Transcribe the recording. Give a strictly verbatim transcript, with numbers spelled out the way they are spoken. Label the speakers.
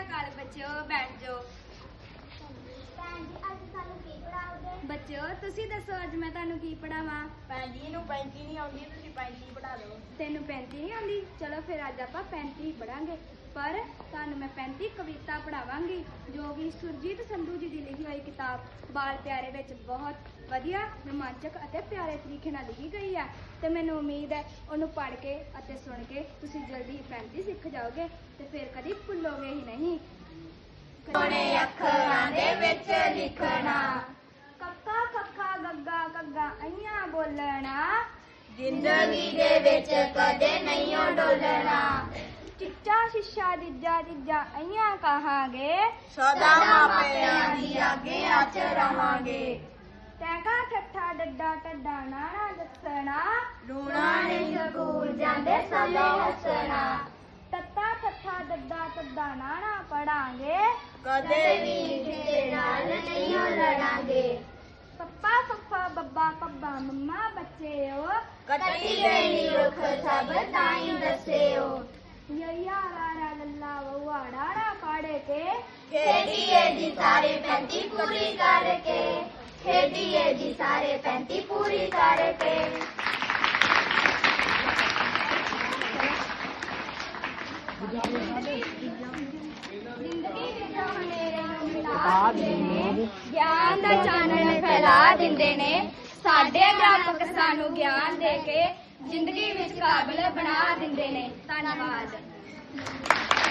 Speaker 1: ਅਕਾਲ ਬੱਚਿਓ, ਬੈਠ ਜਾਓ।
Speaker 2: ਭੈਣ ਜੀ ਅੱਜ ਸਾਨੂੰ ਕੀ ਪੜਾਓਗੇ?
Speaker 1: ਬੱਚਿਓ ਤੁਸੀਂ ਦੱਸੋ ਅੱਜ ਮੈਂ ਤੁਹਾਨੂੰ ਕੀ ਪੜਾਵਾਂ?
Speaker 3: ਭੈਣ ਜੀ ਨੂੰ ਪੈਂਤੀ ਨਹੀਂ ਆਉਂਦੀ, ਤੁਸੀਂ ਪੈਂਤੀ ਪੜਾ ਦਿਓ।
Speaker 1: ਤੈਨੂੰ ਪੈਂਤੀ ਨਹੀਂ ਆਉਂਦੀ? ਚਲੋ ਫਿਰ ਅੱਜ ਆਪਾਂ ਪੈਂਤੀ ਪੜਾਂਗੇ, ਪਰ ਤੁਹਾਨੂੰ ਮੈਂ ਪੈਂਤੀ ਕਵਿਤਾ ਪੜਾਵਾਂਗੀ ਜੋ ਕਿ ਸੁਰਜੀਤ ਸੰਧੂ ਜੀ ਦੀ ਲਿਖੀ ਹੋਈ ਕਿਤਾਬ ਬਾਲ ਪਿਆਰੇ ਵਿੱਚ ਬਹੁਤ ਵਧੀਆ, ਰੋਮਾਂਚਕ ਅਤੇ ਪਿਆਰੇ ਤਰੀਕੇ ਨਾਲ ਲਿਖੀ ਗਈ ਹੈ ਤੇ ਮੈਨੂੰ ਉਮੀਦ ਹੈ ਉਹਨੂੰ ਪੜ੍ਹ ਕੇ ਅਤੇ ਸੁਣ ਕੇ ਤੁਸੀਂ ਜਲਦੀ ਹੀ ਪੈਂਤੀ ਸਿੱਖ ਜਾਓਗੇ ਤੇ ਫਿਰ ਕਦੀ ਭੁੱਲੋਗੇ ਹੀ ਨਹੀਂ।
Speaker 2: ਸੋਹਣੇ ਅੱਖਰਾਂ ਦੇ ਵਿੱਚ ਲਿਖਣਾ,
Speaker 1: ਕੱਕਾ ਕੱਖਾ ਗੱਗਾ ਗੱਗਾ ਅਈਆਂ ਬੋਲਣਾ,
Speaker 2: ਜ਼ਿੰਦਗੀ ਦੇ ਵਿੱਚ ਕਦੇ ਨਹੀਂ ਡੋਲਣਾ,
Speaker 1: ਚਿੱਚਾ ਸ਼ੀਸ਼ਾ ਦਿੱਜਾ ਦਿੱਜਾ ਅਈਆਂ ਕਹਾਂਗੇ,
Speaker 3: ਸਦਾ ਮਾਪਿਆਂ ਦੀ ਅੱਗੇ ਹੱਥ ਰਵਾਂਗੇ।
Speaker 1: ਟੈਂਕਾ ਠੱਠਾ ਡੱਡਾ ਟੱਡਾ ਨਾਣਾ ਦੱਸਣਾ,
Speaker 2: ਰੋਣਾ ਨਹੀਂ ਸਕੂਲ ਜਾਂਦੇ ਸਮੇਂ ਹੱਸਣਾ,
Speaker 1: ਤੱਤਾ ਠੱਠਾ ਡੱਡਾ ਟੱਡਾ ਨਾਣਾ ਪੜਾਂਗੇ,
Speaker 2: ਕਦੇ ਵੀ ਕਿਸੇ ਨਾਲ ਨਹੀਂ ਲੜਾਂਗੇ।
Speaker 1: ਪੱਪਾ ਫੱਫਾ ਬੱਬਾ ਪੱਬਾ ਮੰਮਾ ਬੱਚਿਓ,
Speaker 2: ਕੱਟੀ ਗਈ ਰੁੱਖ ਸਭ ਤਾਈਂ ਦੱਸਿਓ,
Speaker 1: ਯਈਆ ਲਾਰਾ ਲੱਲਾ ਵਵਾ ਡਾੜਾ ਪੜ ਕੇ,
Speaker 2: ਖੇਡੀਏ ਜੀ ਸਾਰੇ ਪੈਂਤੀ ਪੂਰੀ ਕਰਕੇ, ਖੇਡੀਏ ਜੀ ਸਾਰੇ ਪੈਂਤੀ ਪੂਰੀ ਕਰਕੇ।
Speaker 1: ਜ਼ਿੰਦਗੀ ਵਿੱਚ ਹਨੇਰੇ ਨੂੰ ਮਿਟਾ ਦਿੰਦੇ ਨੇ, ਗਿਆਨ ਦਾ ਚਾਨਣ ਫੈਲਾ ਦਿੰਦੇ ਨੇ, ਸਾਡੇ ਅਧਿਆਪਕ ਸਾਨੂੰ ਗਿਆਨ ਦੇ ਕੇ ਜ਼ਿੰਦਗੀ ਵਿੱਚ ਕਾਬਿਲ ਬਣਾ ਦਿੰਦੇ ਨੇ। ਧੰਨਵਾਦ।